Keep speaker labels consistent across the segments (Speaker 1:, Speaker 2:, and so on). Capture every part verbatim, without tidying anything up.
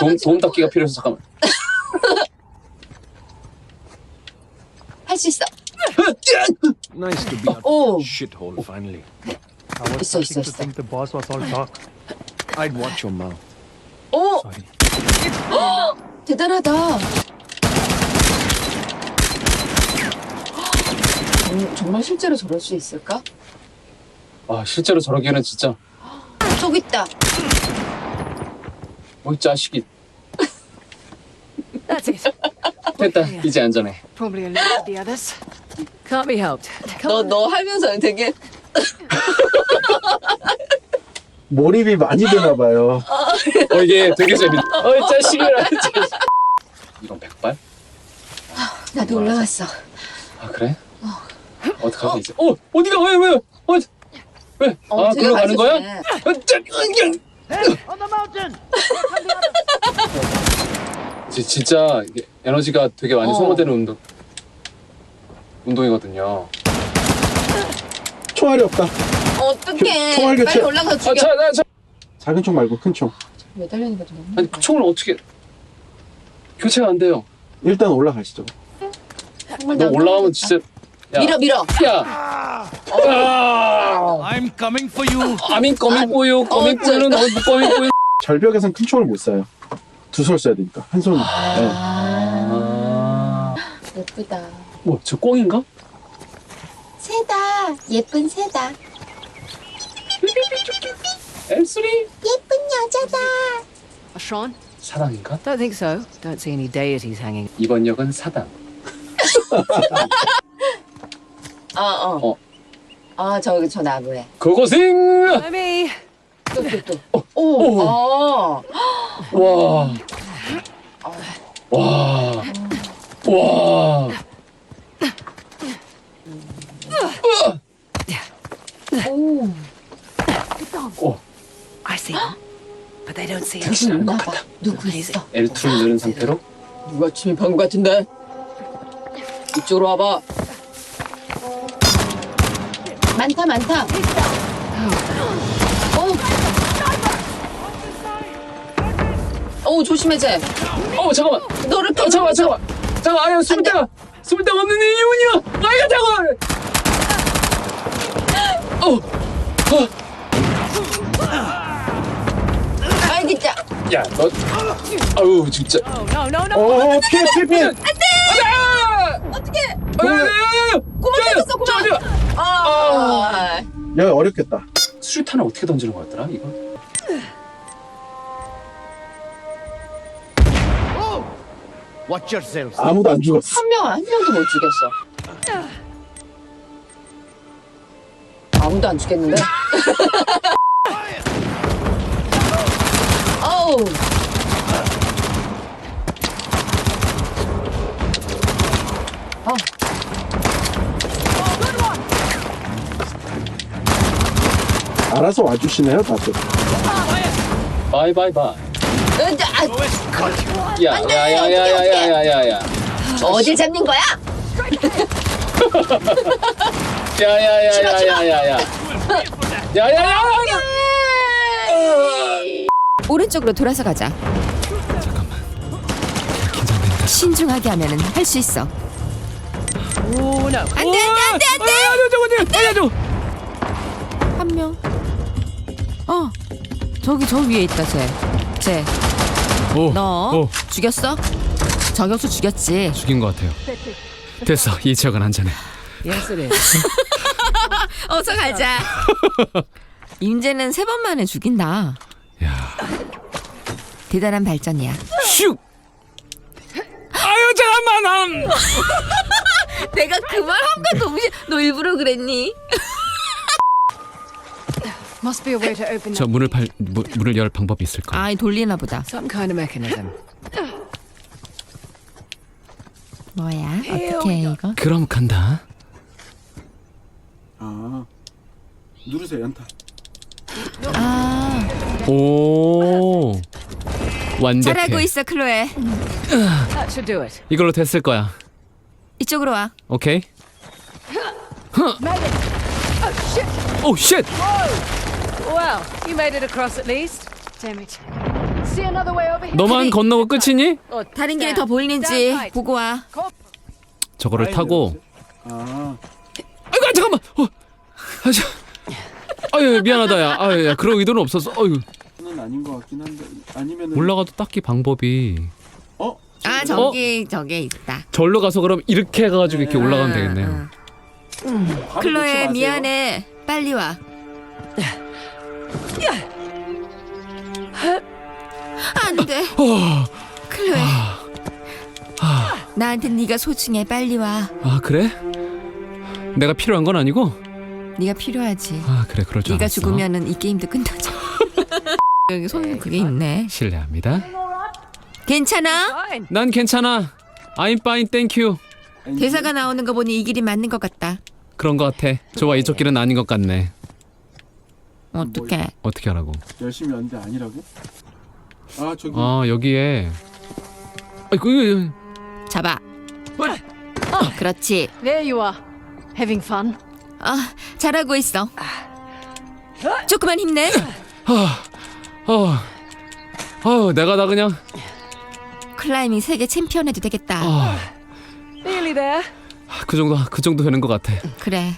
Speaker 1: 도움, 도움 닫기가 필요해서 잠깐만.
Speaker 2: 할 수 있어.
Speaker 3: Nice to be out
Speaker 2: Oh.
Speaker 3: of that shithole finally.
Speaker 4: I was
Speaker 2: 있어, 있어,
Speaker 4: starting to
Speaker 2: 있어.
Speaker 4: think the boss was all talk.
Speaker 3: I'd watch your mouth.
Speaker 2: 오,
Speaker 4: Sorry.
Speaker 2: 대단하다. 정, 정말 실제로 저럴 수 있을까?
Speaker 1: 아 실제로 저러기에는 진짜
Speaker 2: 저기 있다.
Speaker 1: 어이 자식이.
Speaker 5: That's it.
Speaker 1: 됐다 이제 안전해.
Speaker 5: Probably alerted the others. Can't be helped.
Speaker 2: 너, 너 하면서 되게
Speaker 6: 몰입이 많이 되나 봐요.
Speaker 1: 어 이게 되게 재밌. 어이 자식이라. 이건 백발?
Speaker 2: 나도 올라갔어.
Speaker 1: 아 그래? 어떡하지 이제? 어 어디가 왜 왜? 어 왜?
Speaker 2: 어,
Speaker 1: 아
Speaker 2: 되게
Speaker 1: 글로 가는 거야?
Speaker 2: 맛있네.
Speaker 1: 어, 짜, 그냥. 지- 진짜 이게 에너지가 되게 많이
Speaker 2: 어.
Speaker 1: 소모되는 운동 운동이거든요.
Speaker 6: 총알이 없다.
Speaker 2: 어떡해.
Speaker 6: 총알 교체.
Speaker 2: 빨리 올라가서
Speaker 1: 아,
Speaker 2: 죽여.
Speaker 1: 자, 나, 자,
Speaker 6: 작은 총 말고 큰 총.
Speaker 2: 매달리니까 좀 너무
Speaker 1: 아니 그 총을 어떻게 교체가 안 돼요?
Speaker 6: 일단 올라가시죠.
Speaker 2: 정말
Speaker 1: 너
Speaker 2: 난
Speaker 1: 올라가면
Speaker 2: 모르겠다.
Speaker 1: 진짜 야,
Speaker 2: 밀어 밀어.
Speaker 1: 야, 아,
Speaker 3: I'm coming for you.
Speaker 1: 아민 꺼민 뽀요, 꺼민 뽀요는 어디 꺼민 뽀요?
Speaker 6: 절벽에선 큰 총을 못 쏴요. 두 손 써야 되니까. 한 손. 네.
Speaker 1: 아,
Speaker 2: 예쁘다.
Speaker 1: 뭐 저 꽁인가?
Speaker 2: 새다. 예쁜 새다.
Speaker 1: 엘쓰리
Speaker 2: 예쁜 여자다.
Speaker 5: Sean?
Speaker 1: 사당인가?
Speaker 5: Don't think so. Don't see any deities hanging.
Speaker 1: 이번 역은 사당.
Speaker 2: 어 어.
Speaker 1: 어.
Speaker 2: 아 저기 저 나무에.
Speaker 1: 그곳은
Speaker 5: Maybe.
Speaker 2: 또 또 또. 오. 어.
Speaker 1: 와, 와, 와.
Speaker 2: 오.
Speaker 1: 오,
Speaker 5: I see them. But they don't see us.
Speaker 1: 당신 알것
Speaker 2: 나봐.
Speaker 1: 같다.
Speaker 2: 누구 있어?
Speaker 1: 엘투를 누른 상태로
Speaker 2: 누가 침입한 것 같은데? 이쪽으로 와봐. 많다 많다. 어. 어 조심해 쟤.
Speaker 1: 어 잠깐만.
Speaker 2: 너를
Speaker 1: 어 잠깐만 잠깐만. 잠깐 아야 숨을 데가 숨을 데가 없는 이유는요. 아이가 잠깐. 어, 어.
Speaker 2: 알겠자.
Speaker 1: 야, 너, 아유 진짜.
Speaker 5: Oh, no, no, no.
Speaker 6: 어, 피해, 피해, 피해.
Speaker 1: 안돼.
Speaker 2: 어떻게?
Speaker 1: 야야야야.
Speaker 2: 고만 잡았어 고만. 아.
Speaker 6: 야, 어렵겠다.
Speaker 1: 수류탄을 어떻게 던지는 거였더라 이거?
Speaker 3: Watch yourselves.
Speaker 6: 아무도 안 죽었어.
Speaker 2: 한 명, 한 명도 못 죽였어. 아무도 안 죽겠는데? 어우. 어.
Speaker 6: 알아서 와주시네요, 다들.
Speaker 1: 바이바이바이.
Speaker 2: 으자, 아,
Speaker 1: 야야야야야야야야야.
Speaker 2: 어딜 잡는 거야?
Speaker 1: 야야야야야야야. 야야야.
Speaker 7: 오른쪽으로 돌아서 가자. 신중하게 하면은 할 수 있어.
Speaker 5: Oh, no.
Speaker 7: 안돼 안돼 안돼 안돼.
Speaker 1: 알려줘, 알려줘.
Speaker 7: 한 명. 어 저기 저 위에 있다 쟤. 쟤.
Speaker 8: 오,
Speaker 7: 너
Speaker 8: 오,
Speaker 7: 죽였어? 저격수 죽였지.
Speaker 8: 죽인 것 같아요. 됐어, 이 지역은 안전해.
Speaker 5: Yes, it is.
Speaker 7: 어서 가자. 임재는 세 번 만에 죽인다.
Speaker 8: 야,
Speaker 7: 대단한 발전이야.
Speaker 8: 슉. 아유 잠깐만, 음.
Speaker 7: 내가 그 말 한가 동시에 너 일부러 그랬니?
Speaker 5: Must be a way to open
Speaker 8: 저
Speaker 5: up
Speaker 8: 문을 팔 문, 문을 열 방법이 있을까?
Speaker 7: 아 돌리나 보다.
Speaker 5: some kind of mechanism.
Speaker 7: 뭐야? 어떻게 해 이거?
Speaker 8: 그럼 간다.
Speaker 6: 아, 누르세요, 연타.
Speaker 7: 아
Speaker 8: 오, 완벽해.
Speaker 7: 잘하고 있어 클로에.
Speaker 5: That should do it.
Speaker 8: 이걸로 됐을 거야.
Speaker 7: 이쪽으로 와.
Speaker 8: 오케이.
Speaker 5: Made it. Oh, shit.
Speaker 8: 오, 쉣.
Speaker 5: Well, you made it across at least. Damn it. See another way over here.
Speaker 8: 너만 건너고 끝이니?
Speaker 7: 다른 길이 더 보이는지 보고 와.
Speaker 8: 저거를 타고.
Speaker 6: 아,
Speaker 8: 아이고 잠깐만. 어. 아, 저... 아유 미안하다 야. 아유 야 그런 의도는 없었어. 아유.
Speaker 6: 는 아닌 것 같긴 한데 아니면은
Speaker 8: 올라가도 딱히 방법이.
Speaker 6: 어?
Speaker 7: 아 저기 저게 있다.
Speaker 8: 절로 가서 그럼 이렇게 해가지고 이렇게 올라가면 되겠네요.
Speaker 7: 응.
Speaker 6: 바로 놓지
Speaker 7: 클로에
Speaker 6: 마세요.
Speaker 7: 미안해. 빨리 와. 안 돼.
Speaker 8: 어.
Speaker 7: 클로에. 나한테 네가 소중해. 빨리 와.
Speaker 8: 아 그래? 내가 필요한 건 아니고?
Speaker 7: 네가 필요하지.
Speaker 8: 아 그래 그럴 줄
Speaker 7: 네가
Speaker 8: 알았어.
Speaker 7: 죽으면은 이 게임도 끝나죠. 여기 손 그게 있네.
Speaker 8: 실례합니다.
Speaker 7: 괜찮아?
Speaker 5: Fine.
Speaker 8: 난 괜찮아. I'm fine, thank you.
Speaker 7: 대사가 나오는 거 보니 이 길이 맞는 것 같다.
Speaker 8: 그런 거 같아. 좋아 이쪽 길은 아닌 것 같네.
Speaker 7: 어떡해.
Speaker 8: 어떻게 하라고?
Speaker 6: 열심히 왔는데 아니라고? 아 저기
Speaker 8: 아 여기에. 아이고 이거
Speaker 7: 잡아. 그렇지.
Speaker 5: There you are. Having fun?
Speaker 7: 아, 잘하고 있어. 조금만 힘내.
Speaker 8: 어, 어, 내가 다 그냥.
Speaker 7: 클라이밍 세계 챔피언 해도 되겠다.
Speaker 8: 어,
Speaker 5: Nearly there.
Speaker 8: 그 정도 그 정도 되는 것 같아.
Speaker 7: 그래.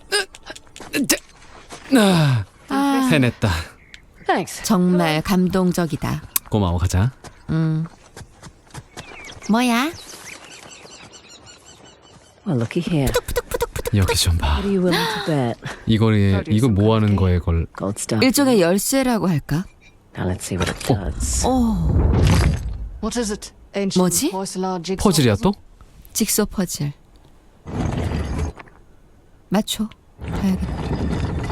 Speaker 8: 아,
Speaker 7: 아,
Speaker 8: 해냈다.
Speaker 5: Thanks.
Speaker 7: 정말 감동적이다.
Speaker 8: 고마워 가자.
Speaker 7: 음. 뭐야?
Speaker 9: Well, looky here.
Speaker 8: 여기 좀 봐.
Speaker 9: What are you willing to bet?
Speaker 8: 이거에 이거 뭐 하는 거에 걸.
Speaker 9: Gold star.
Speaker 7: 일종의 열쇠라고 할까?
Speaker 9: Now let's see what it does.
Speaker 7: 오,
Speaker 5: What is it? Ancient
Speaker 7: 뭐지?
Speaker 5: porcelain jigsaw
Speaker 8: 퍼즐이야
Speaker 5: puzzle?
Speaker 8: 또?
Speaker 7: 직소 퍼즐. 맞춰. 봐야겠다.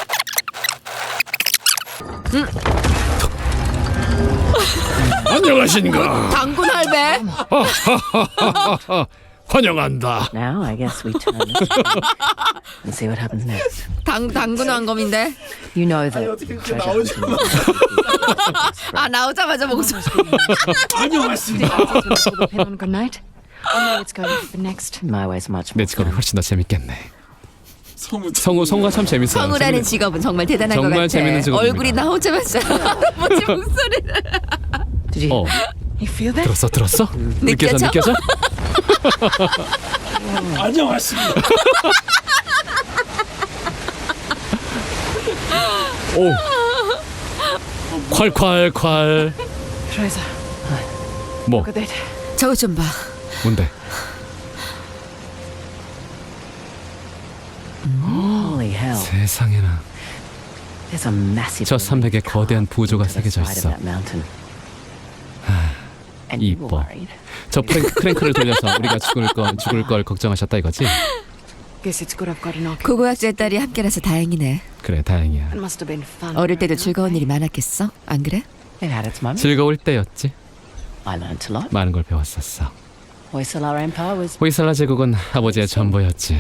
Speaker 8: 안녕하신가.
Speaker 7: 당군 할배.
Speaker 8: 환영한다.
Speaker 9: Now I guess we turn this around and see what happens next.
Speaker 7: 당 당군 왕검인데.
Speaker 9: You know that
Speaker 6: 어떻게 그렇게
Speaker 9: treasure
Speaker 6: 나오지?
Speaker 9: hunting
Speaker 7: 아 나오자마자 목소리.
Speaker 6: 안녕하십니까.
Speaker 5: Pull the pin on good night. Oh no, it's going to the next.
Speaker 9: my way's much
Speaker 8: 내
Speaker 9: more
Speaker 8: 직업이
Speaker 9: fun.
Speaker 8: 훨씬 더 재밌겠네.
Speaker 6: 성우
Speaker 8: 성우 성우가 참 재밌어요.
Speaker 7: 성우라는
Speaker 8: 재밌-
Speaker 7: 직업은 정말 대단한 것
Speaker 8: 정말
Speaker 7: 같아.
Speaker 8: 재밌는 직업입니다.
Speaker 7: 얼굴이 나오자마자 뭐지 목소리를.
Speaker 9: Did you?
Speaker 8: 어
Speaker 5: You feel that?
Speaker 8: 들었어 들었어? 느껴져
Speaker 7: 느껴져?
Speaker 8: 느껴져?
Speaker 6: 안녕하십니까.
Speaker 8: 오. 콸콸콸.
Speaker 5: Teresa,
Speaker 8: 뭐
Speaker 5: look at that.
Speaker 7: 저거 좀 봐.
Speaker 8: 뭔데?
Speaker 9: Holy hell!
Speaker 8: 세상에나.
Speaker 9: There's a massive.
Speaker 8: 저 산맥에
Speaker 9: relief
Speaker 8: 거대한
Speaker 9: carved
Speaker 8: 부조가
Speaker 9: into the
Speaker 8: 새겨져
Speaker 9: side of
Speaker 8: 있어.
Speaker 9: that mountain. And you were
Speaker 8: 이뻐.
Speaker 9: worried.
Speaker 8: 저 프랭, 크랭크를 돌려서 우리가 죽을 거 죽을 걸 걱정하셨다 이거지?
Speaker 5: Guess it's good I've got an oculus.
Speaker 7: 고고학자의 딸이 함께라서 다행이네.
Speaker 8: 그래 다행이야.
Speaker 5: It must have been fun.
Speaker 7: 어릴 때도 즐거운 일이 많았겠어? 안 그래?
Speaker 9: It had its moments.
Speaker 8: 즐거울 때였지.
Speaker 9: I learned a lot.
Speaker 8: 많은 걸 배웠었어.
Speaker 9: Hoysala Empire was
Speaker 8: 호이살라 제국은 아버지의 전부였지.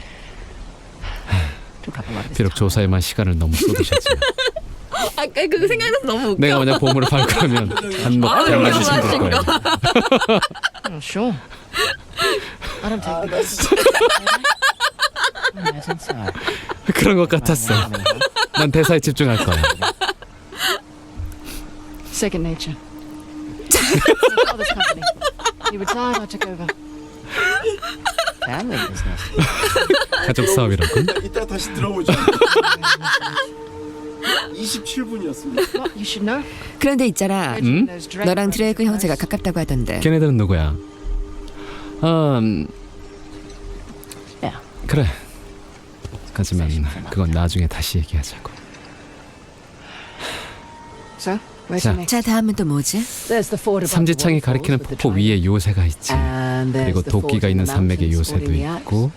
Speaker 9: took up a lot of his
Speaker 8: 비록
Speaker 9: time.
Speaker 8: 조사에만 시간을 너무 쏟으셨지만
Speaker 7: 아까 그거 생각나서 너무 웃겨.
Speaker 8: 내가 만약 보물을 밟으면 한몫 달라지 힘들 거야.
Speaker 5: Oh, sure. I don't take it.
Speaker 9: Imagine so.
Speaker 8: 그런 것 같았어. 난 대사에 집중할 거야.
Speaker 5: Second nature. My father's company. He retired, I took over.
Speaker 9: Family business.
Speaker 8: 가족 사업이라고.
Speaker 6: 이따 다시 들어보죠. 이십칠 분이었습니다.
Speaker 5: What you should know?
Speaker 7: 그런데 있잖아.
Speaker 8: 음?
Speaker 5: Those Drake
Speaker 7: 너랑
Speaker 5: brothers
Speaker 7: 드레이크
Speaker 5: are
Speaker 7: 형제가
Speaker 5: close.
Speaker 7: 가깝다고 하던데.
Speaker 8: 걔네들은 누구야? 음
Speaker 9: Yeah.
Speaker 8: 그래. 하지만 그건 나중에 다시 얘기하자고.
Speaker 5: So, where's
Speaker 8: 자.
Speaker 5: the next?
Speaker 7: 자 다음은 또 뭐지?
Speaker 5: There's the fort above the
Speaker 8: 삼지창이
Speaker 5: waterfalls
Speaker 8: 가리키는
Speaker 5: with the
Speaker 8: 폭포
Speaker 5: triangle.
Speaker 8: 위에 요새가 있지.
Speaker 9: And there's
Speaker 8: 그리고
Speaker 9: the fort
Speaker 8: 도끼가
Speaker 9: in
Speaker 8: 있는
Speaker 9: the
Speaker 8: 산맥의
Speaker 9: mountains
Speaker 8: 요새도
Speaker 9: sporting the Alps.
Speaker 8: 있고.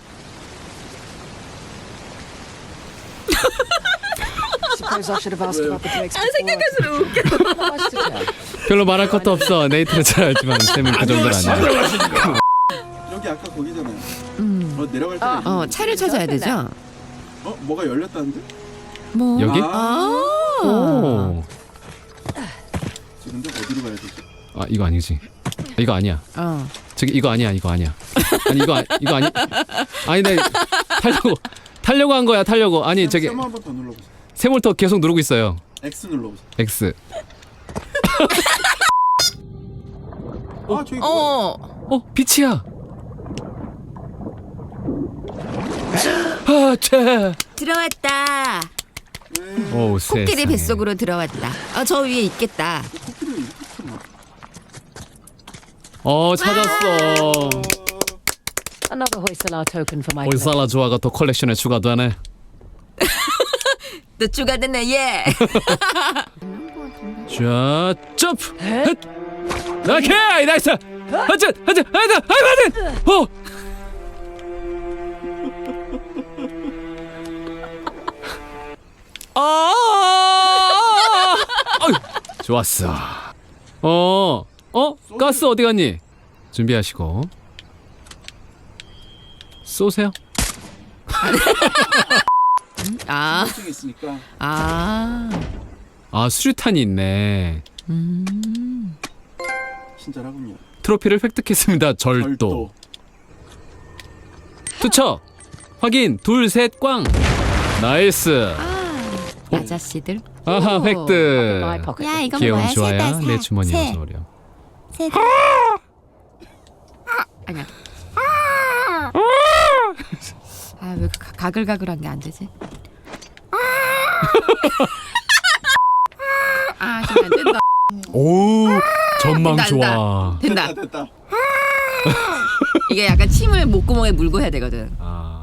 Speaker 5: Suppose I should have asked about the Drakes before.
Speaker 7: 웃겨.
Speaker 5: Not much to tell.
Speaker 8: 별로 말할 것도 없어. 네이트를 잘 알지만 쌤은 그 정도는 아니야.
Speaker 6: 여기 아까 거기잖아요.
Speaker 7: 음.
Speaker 6: 어 내려갈 때. 어.
Speaker 7: 어 차를 찾아야 되죠?
Speaker 6: 어 뭐가 열렸다는데?
Speaker 7: 뭐?
Speaker 8: 여기?
Speaker 6: 아,
Speaker 7: 아.
Speaker 8: 오.
Speaker 6: 지금 근데 어디로 가야 되지?
Speaker 8: 아 이거 아니지. 이거 아니야.
Speaker 7: 어.
Speaker 8: 저기 이거 아니야. 이거 아니야. 아니 이거 아, 이거 아니. 아니 내 타려고 타려고 한 거야. 타려고. 아니 저기
Speaker 6: 세모 한번 더 눌러보세요.
Speaker 8: 세몰터 계속 누르고 있어요.
Speaker 6: X 눌러보세요.
Speaker 8: X.
Speaker 6: 아 저기
Speaker 7: 어.
Speaker 8: 어, 빛이야. 아, 쟤.
Speaker 7: 들어왔다.
Speaker 8: 오,
Speaker 7: 코끼리
Speaker 8: 세상에.
Speaker 7: 뱃속으로 들어왔다. 아, 저 위에 있겠다.
Speaker 8: 어, 찾았어.
Speaker 5: Another Hoysala token for my collection.
Speaker 8: 올살라 조화가 또 컬렉션에 추가되네.
Speaker 7: 또 추가됐네, 예.
Speaker 8: 자, 점프. 헷. 오케이, 나이스. 하자, 하자, 하자, 하자. 어. 아! 어이, 좋았어. 어, 어, 가스 어디 갔니? 준비하시고 쏘세요.
Speaker 7: 아,
Speaker 6: 층에 있으니까
Speaker 7: 아.
Speaker 8: 아, 수류탄이 있네.
Speaker 7: 음.
Speaker 6: 친절하군요.
Speaker 8: 트로피를 획득했습니다. 절도. 투척. 확인. 둘, 셋, 꽝. 나이스.
Speaker 7: 아저씨들.
Speaker 8: 아하,
Speaker 5: My
Speaker 8: 획득.
Speaker 5: pocket.
Speaker 7: 야, 이건
Speaker 8: 귀여움
Speaker 7: 뭐야?
Speaker 8: 좋아야
Speaker 7: 새다,
Speaker 8: 내
Speaker 7: 새.
Speaker 8: 주머니에
Speaker 7: 새.
Speaker 8: 어서 오렴.
Speaker 7: 새. 아니야. 아, 왜 가- 가글가글한 게 안 되지? 아, 정말 된다.
Speaker 8: 오, 전망
Speaker 7: 된다,
Speaker 8: 좋아.
Speaker 7: 된다.
Speaker 6: 됐다.
Speaker 7: 이게 약간 침을 목구멍에 물고 해야 되거든.
Speaker 8: 아.